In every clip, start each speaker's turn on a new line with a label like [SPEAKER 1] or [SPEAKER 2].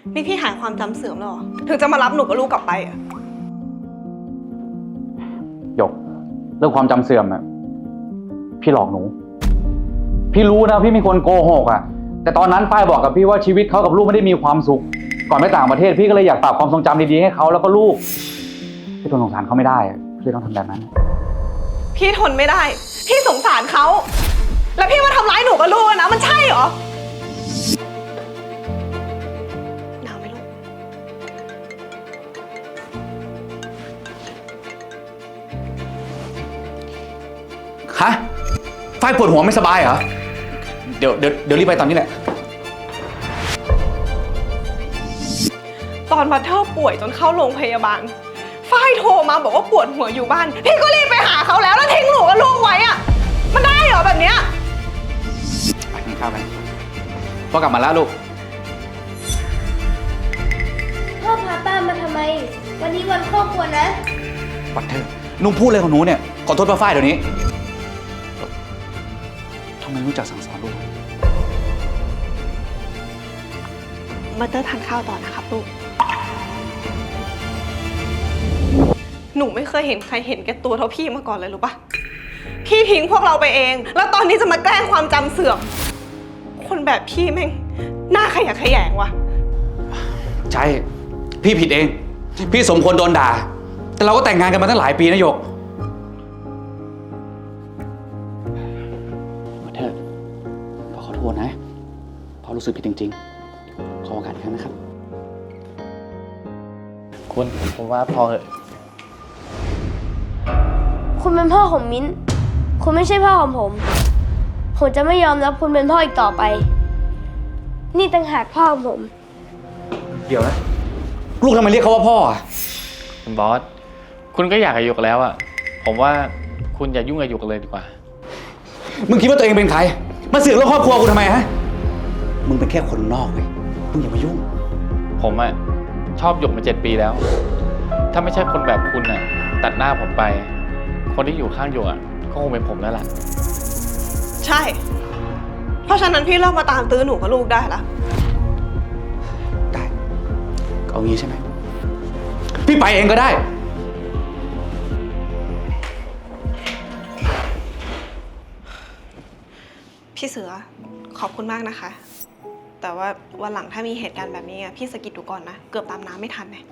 [SPEAKER 1] นี่พี่หายความจำเสื่อมแล้วเหรอถึงจะมารับหนูกับลูกกลับไปอะ
[SPEAKER 2] หยกเรื่องความจำเสื่อมอะพี่หลอกหนูพี่รู้นะพี่ไม่ควรโกหกอะแต่ตอนนั้นฝ้ายบอกกับพี่ว่าชีวิตเขากับลูกไม่ได้มีความสุขก่อนไปต่างประเทศพี่ก็เลยอยากปรับความทรงจำดีๆให้เขาแล้วก็ลูกพี่ทนสงสารเขาไม่ได้พี่เลยต้องทำแบบนั้น
[SPEAKER 1] พี่ทนไม่ได้ พี่สงสารเขาแล้วพี่มาทำร้ายหนูกับลูกนะมันใช่เหรอหนาวไหมลูก
[SPEAKER 2] ฮะฝ้ายปวดหัวไม่สบายเหรอเดี๋ยวรีบไปตอนนี้แหละ
[SPEAKER 1] ตอนบัตเทอร์ป่วยจนเข้าโรงพยาบาลฝ้ายโทรมาบอกว่าปวดหัวอยู่บ้านพี่ก็รีบไปหาเขาแล้วทิ้งหนูกับลูกไว้อะมันได้เหรอแบบเนี้ย
[SPEAKER 2] ไปกินข้าวกันพ่อกลับมาแล้วลูก
[SPEAKER 3] พ่อพาป้ามาทำไมวันนี้วันครอบครัวนะ
[SPEAKER 2] บัตเทอร์นุ่งพูดอะไรของหนูเนี่ยขอโทษป้าฝ้ายเดี๋ยวนี้ทำไมรู้จักสั่งสอนลูก
[SPEAKER 1] บัตเตอร์ทานข้าวต่อนะครับลูกหนูไม่เคยเห็นใครเห็นแก่ตัวเท่าพี่มาก่อนเลยรู้ปะพี่ทิ้งพวกเราไปเองแล้วตอนนี้จะมาแกล้งความจำเสื่อมคนแบบพี่แม่งหน้าขยะแขยงว่ะ
[SPEAKER 2] ใช่พี่ผิดเองพี่สมควรโดนด่าแต่เราก็แต่งงานกันมาตั้งหลายปีนะหยกมาเถอะพ่อขอโทษนะพ่อรู้สึกผิดจริงๆขอโอกาสอีกครั้งนะครับ
[SPEAKER 4] คุณผมว่าพอเหอะ
[SPEAKER 3] คุณเป็นพ่อของมิ้นคุณไม่ใช่พ่อของผมผมจะไม่ยอมรับคุณเป็นพ่ออีกต่อไปนี่ต่างหากพ่อของผม
[SPEAKER 2] เดี๋ยวนะลูกทำไมเรียกเขาว่าพ่ออ่ะ
[SPEAKER 4] คุณบอสคุณก็อยากกับหยกแล้วอ่ะผมว่าคุณอย่ายุ่งกับหยกเลยดีกว่า
[SPEAKER 2] มึงคิดว่าตัวเองเป็นใครมาเสือกเรื่องครอบครัวกูทำไมฮะมึงเป็นแค่คนนอกเว้ยมึงอย่ามายุ่ง
[SPEAKER 4] ผมอ่ะชอบหยกมา7 ปีแล้วถ้าไม่ใช่คนแบบคุณอ่ะตัดหน้าผมไปคนที่อยู่ข้างหยกอ่ะก็คงเป็นผมแล้วล่ะ
[SPEAKER 1] ใช่เพราะฉะนั้นพี่เลิกมาตามตื้อหนูกับลูกได้ละ
[SPEAKER 2] ได้ก็เอางี้ใช่ไหมพี่ไปเองก็ได้
[SPEAKER 1] พี่เสือขอบคุณมากนะคะแต่ว่าวันหลังถ้ามีเหตุการณ์แบบนี้พี่สะกิดดูก่อนนะเกือบตามน้ำไม่ทันเลย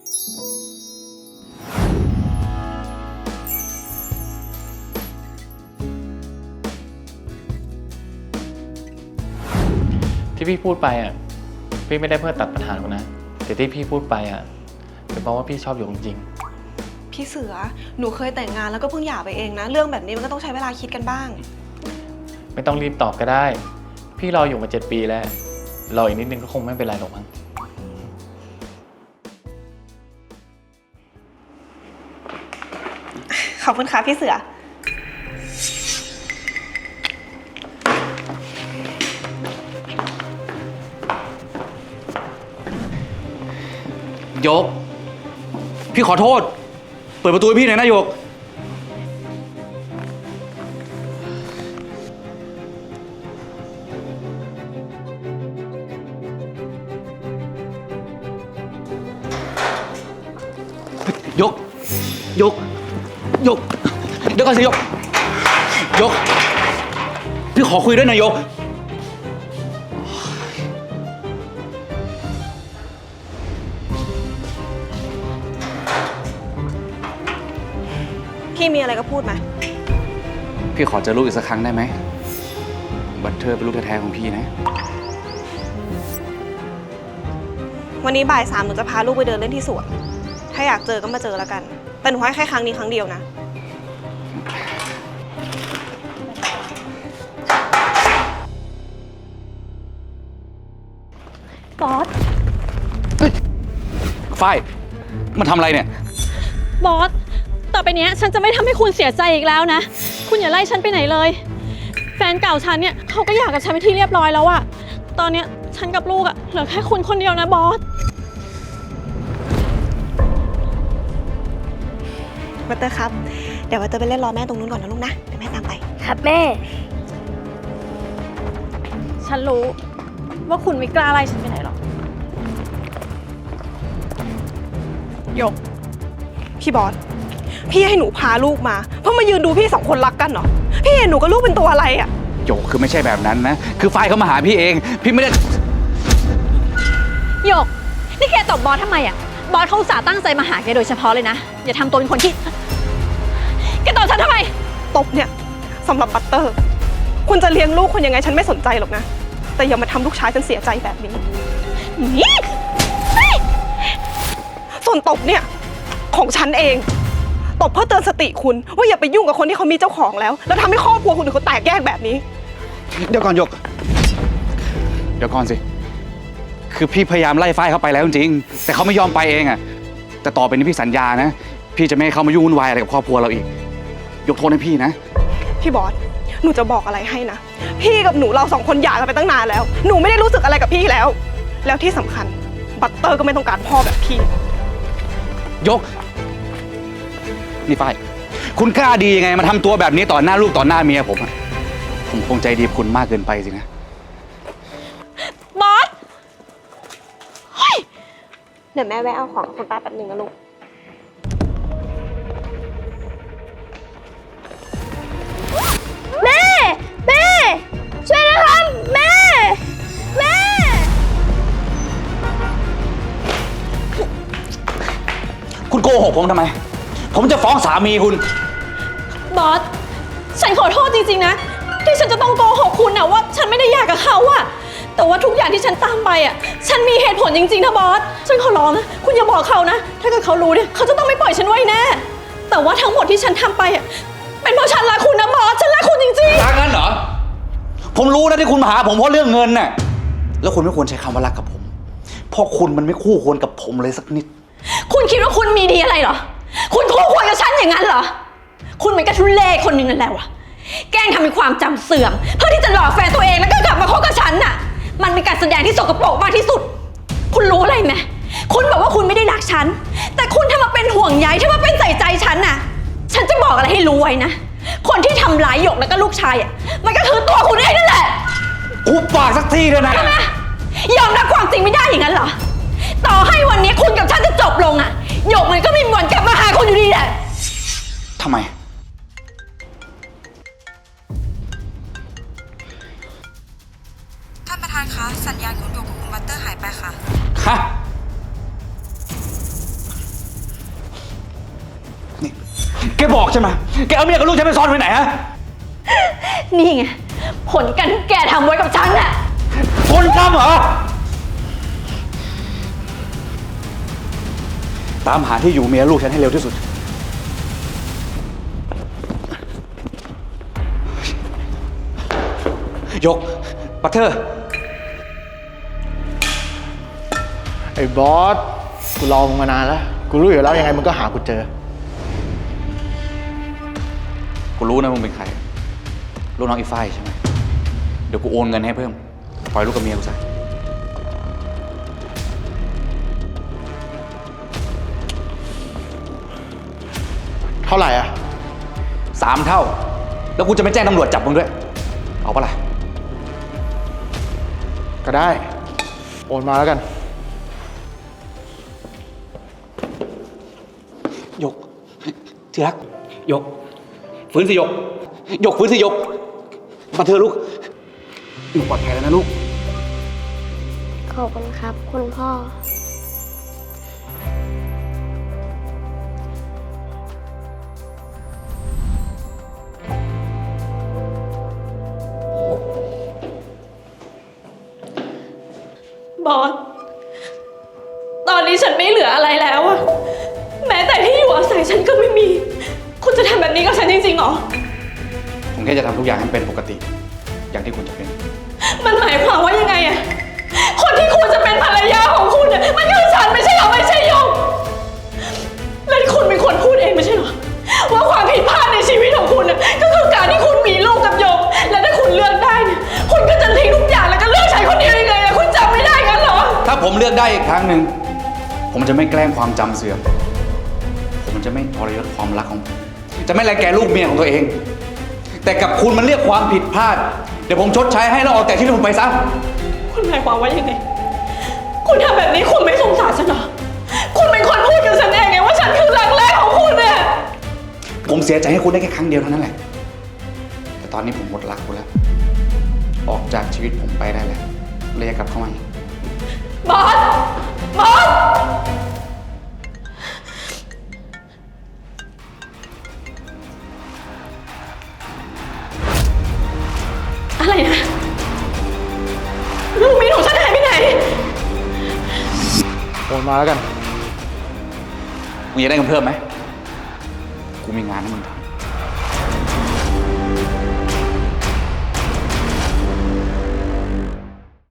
[SPEAKER 4] ที่พี่พูดไปอ่ะพี่ไม่ได้เพื่อตัดปัญหาคุณนะแต่ที่พี่พูดไปอ่ะเป็นเพราะว่าพี่ชอบหยกจริง
[SPEAKER 1] ๆพี่เสือหนูเคยแต่งงานแล้วก็เพิ่งหย่าไปเองนะเรื่องแบบนี้มันก็ต้องใช้เวลาคิดกันบ้าง
[SPEAKER 4] ไม่ต้องรีบตอบก็ได้พี่รออยู่มา7 ปีแล้วรออีกนิดนึงก็คงไม่เป็นไรหรอกมั้ง
[SPEAKER 1] ขอบคุณค่ะพี่เสือ
[SPEAKER 2] โยกพี่ขอโทษเปิดประตูให้พี่หน่อยนะโยกยกเดี๋ยวก่อนสิยกพี่ขอคุยด้วยนะยก
[SPEAKER 1] พี่มีอะไรก็พูดมา
[SPEAKER 2] พี่ขอเจอลูกอีกสักครั้งได้ไหมบัตเทอร์เป็นลูกแท้ๆของพี่นะ
[SPEAKER 1] วันนี้บ่าย 3หนูจะพาลูกไปเดินเล่นที่สวนถ้าอยากเจอก็มาเจอแล้วกันแต่หนูให้แค่ครั้งนี้ครั้งเดียวนะ
[SPEAKER 5] บอส
[SPEAKER 2] ฝ้ายมันทำอะไรเนี่ย
[SPEAKER 5] บอสต่อไปเนี้ยฉันจะไม่ทำให้คุณเสียใจอีกแล้วนะคุณอย่าไล่ฉันไปไหนเลยแฟนเก่าฉันเนี่ยเขาก็หย่ากับฉันไปที่เรียบร้อยแล้วอะตอนเนี้ยฉันกับลูกอะเหลือแค่คุณคนเดียวนะบอส
[SPEAKER 1] วัตเตอร์ครับเดี๋ยววัตเตอร์ไปเล่นรอแม่ตรงนู้นก่อนนะลูกนะเดี๋ยวแม่ตามไป
[SPEAKER 3] ครับแม่
[SPEAKER 5] ฉันรู้ว่าคุณไม่กล้าไล่ฉันไปไหนหรอก
[SPEAKER 1] หยก พี่บอส พี่ให้หนูพาลูกมาเพื่อมายืนดูพี่สองคนรักกันเหรอ พี่เห็นหนูกับลูกเป็นตัวอะไรอะ
[SPEAKER 2] โยกคือไม่ใช่แบบนั้นนะ คือฝ้ายเขามาหาพี่เอง พี่ไม่ได้
[SPEAKER 5] หยก นี่แกตบบอสทำไมอะบอสเขาอุตส่าห์ตั้งใจมาหาแกโดยเฉพาะเลยนะ อย่าทำตัวเป็นคนที่แกตบฉันทำไม
[SPEAKER 1] ตบเนี่ยสำหรับบัตเตอร์ คุณจะเลี้ยงลูกคนยังไงฉันไม่สนใจหรอกนะ แต่อย่ามาทำลูกชายฉันเสียใจแบบนี้
[SPEAKER 5] นี่
[SPEAKER 1] ส่วนตบเนี่ยของฉันเองตบเพื่อเตือนสติคุณว่าอย่าไปยุ่งกับคนที่เขามีเจ้าของแล้วทำให้ครอบครัวคุณเขาแตกแยกแบบนี้
[SPEAKER 2] เดี๋ยวก่อนหยก เดี๋ยวก่อนสิ คือพี่พยายามไล่ฝ้ายเขาไปแล้วจริงๆแต่เขาไม่ยอมไปเองอะแต่ต่อไปนี้พี่สัญญานะ พี่จะไม่ให้เขามายุ่งวุ่นวายอะไรกับครอบครัวเราอีก ยกโทษให้พี่นะ
[SPEAKER 1] พี่บอส หนูจะบอกอะไรให้นะ พี่กับหนูเราสองคนหย่ากันไปตั้งนานแล้ว หนูไม่ได้รู้สึกอะไรกับพี่แล้ว แล้วที่สำคัญบัตเตอร์ก็ไม่ต้องการพ่อแบบพี่
[SPEAKER 2] ยก นี่ฝ้าย คุณกล้าดียังไงมาทำตัวแบบนี้ต่อหน้าลูกต่อหน้าเมียผมอะผมคงใจดีกับคุณมากเกินไปสินะ
[SPEAKER 5] บอส
[SPEAKER 1] เดี๋ยวแม่แวะเอาของคุณป้าแป๊บนึงนะลูก
[SPEAKER 3] แม่ แม่ ช่วยนะครับ แม่ แม่
[SPEAKER 2] คุณโกหกผมทำไม ผมจะฟ้องสามีคุณ
[SPEAKER 5] บอส ฉันขอโทษจริงๆนะ ที่ฉันจะต้องโกหกคุณนะว่าฉันไม่ได้อยากกับเขาอะแต่ว่าทุกอย่างที่ฉันตามไปอะฉันมีเหตุผลจริงๆนะบอส ฉันขอร้องนะ คุณอย่าบอกเขานะ ถ้าเกิดเขารู้เนี่ยเขาจะต้องไม่ปล่อยฉันไว้แน่ แต่ว่าทั้งหมดที่ฉันทำไปอะเป็นเพราะฉันรักคุณนะบอส ฉันรักคุณจริงๆ
[SPEAKER 2] รักงั้นเหรอ ผมรู้นะที่คุณมาหาผมเพราะเรื่องเงินน่ะ แล้วคุณไม่ควรใช้คำว่ารักกับผม เพราะคุณมันไม่คู่ควรกับผมเลยสักนิด
[SPEAKER 5] คุณคิดว่าคุณมีดีอะไรเหรอ คุณคู่ควรกับฉันอย่างนั้นเหรอ คุณเป็นกระทุเล่คนหนึ่งนั่นแหละวะ แกล้งทำเป็นความจำเสื่อม เพื่อที่จะหลอกแฟนตัวเองแล้วก็กลับมาคบกับฉันน่ะ มันเป็นการแสดงที่สกปรกมากที่สุด คุณรู้อะไรไหมคุณบอกว่าคุณไม่ได้รักฉัน แต่คุณทำมาเป็นห่วงใยทำมาเป็นใส่ใจฉันน่ะ ฉันจะบอกอะไรให้รู้ไว้นะ คนที่ทำร้ายหยกแล้วก็ลูกชายอ่ะ มันก็คือตัวคุณเองนั่นแหละ
[SPEAKER 2] กูปากสักทีเถอะนะ
[SPEAKER 5] ใช่ไหมยอมรับความจริงไม่ได้อย่างนั้นเหรอ ต่อให้วันนี้คุณกับฉันจะจบลงอ่ะหยกมันก็ไม่มีวันกลับมาหาคุณอยู่ดีแหละ
[SPEAKER 2] ทำไม
[SPEAKER 6] ท่านประธานคะ สัญญาณคุณหยกกับคุณบัตเตอร์หายไปค่ะ
[SPEAKER 2] ฮะ นี่ แกบอกใช่ไหม แกเอาเมียกับลูกฉันไปซ่อนไว้ไหนฮะ
[SPEAKER 5] นี่ไงผลการที่แกทำไว้กับฉันน่ะ
[SPEAKER 2] คนทำเหรอ ตามหาที่อยู่เมียลูกฉันให้เร็วที่สุด ยก บัตเตอร์
[SPEAKER 7] ไอ้บอส กูรอมึงมานานแล้ว กูรู้อยู่แล้วยังไงมึงก็หากูเจอ
[SPEAKER 2] กูรู้นะมึงเป็นใคร ลูกน้องอีฝ้ายใช่ไหม เดี๋ยวกูโอนเงินให้เพิ่ม ปล่อยลูกกับเมียกูซะ
[SPEAKER 7] เท่าไหร่อ่ะ
[SPEAKER 2] 3 เท่า แล้วกูจะไม่แจ้งตำรวจจับมึงด้วย เอาปะล่ะ
[SPEAKER 7] ก็ได้ โอนมาแล้วกัน
[SPEAKER 2] ยก ที่รัก ยก ฟื้นสิยก ยกฟื้นสิยก มาเถอะลูกอยู่ปลอดภัยแล้วนะลูก
[SPEAKER 3] ขอบคุณครับ คุณพ่อ
[SPEAKER 5] บอส ตอนนี้ฉันไม่เหลืออะไรแล้วอะแม้แต่ที่อยู่อาศัยฉันก็ไม่มี คุณจะทำแบบนี้กับฉันจริงๆเหรอ
[SPEAKER 2] ผมแค่จะทำทุกอย่างให้เป็นปกติ อย่างที่คุณจะเป็น
[SPEAKER 5] มันหมายความว่ายังไงอะคนที่คุณจะเป็นภรรยาของคุณเนี่ยมันคือฉันไม่ใช่เหรอไม่ใช่หยกและคุณเป็นคนพูดเองไม่ใช่เหรอว่าความผิดพลาดในชีวิตของคุณน่ะก็คือการที่คุณมีลูกกับหยกและถ้าคุณเลือกได้เนี่ยคุณก็จะทิ้งทุกอย่างแล้วก็เลือกฉันคนเดียวยังไงอะคุณจำไม่ได้งั้นเหรอ
[SPEAKER 2] ถ้าผมเลือกได้อีกครั้งหนึ่ง ผมจะไม่แกล้งความจำเสื่อม ผมจะไม่ทรยศความรักของผม จะไม่รังแกลูกเมียของตัวเอง แต่กับคุณมันเรียกความผิดพลาด เดี๋ยวผมชดใช้ให้แล้วออกจากที่นี่ผมไปซะ
[SPEAKER 5] คุณหมายความว่ายังไง คุณทำแบบนี้คุณไม่สงสารฉันเหรอ คุณเป็นคนพูดกับฉันเองไง
[SPEAKER 2] ผมเสียใจให้คุณได้แค่ครั้งเดียวเท่านั้นแหละ แต่ตอนนี้ผมหมดรักคุณแล้ว ออกจากชีวิตผมไปได้แล้วเลยอย่ากลับเข้ามาอีก
[SPEAKER 1] บอส บอส
[SPEAKER 5] อะไรนะ ลูกมีหนูฉันหายไปไหน
[SPEAKER 7] โอนมาแล้วกัน
[SPEAKER 2] มึงอยากได้เงินเพิ่มไหม กูมีงานให้มึงทำ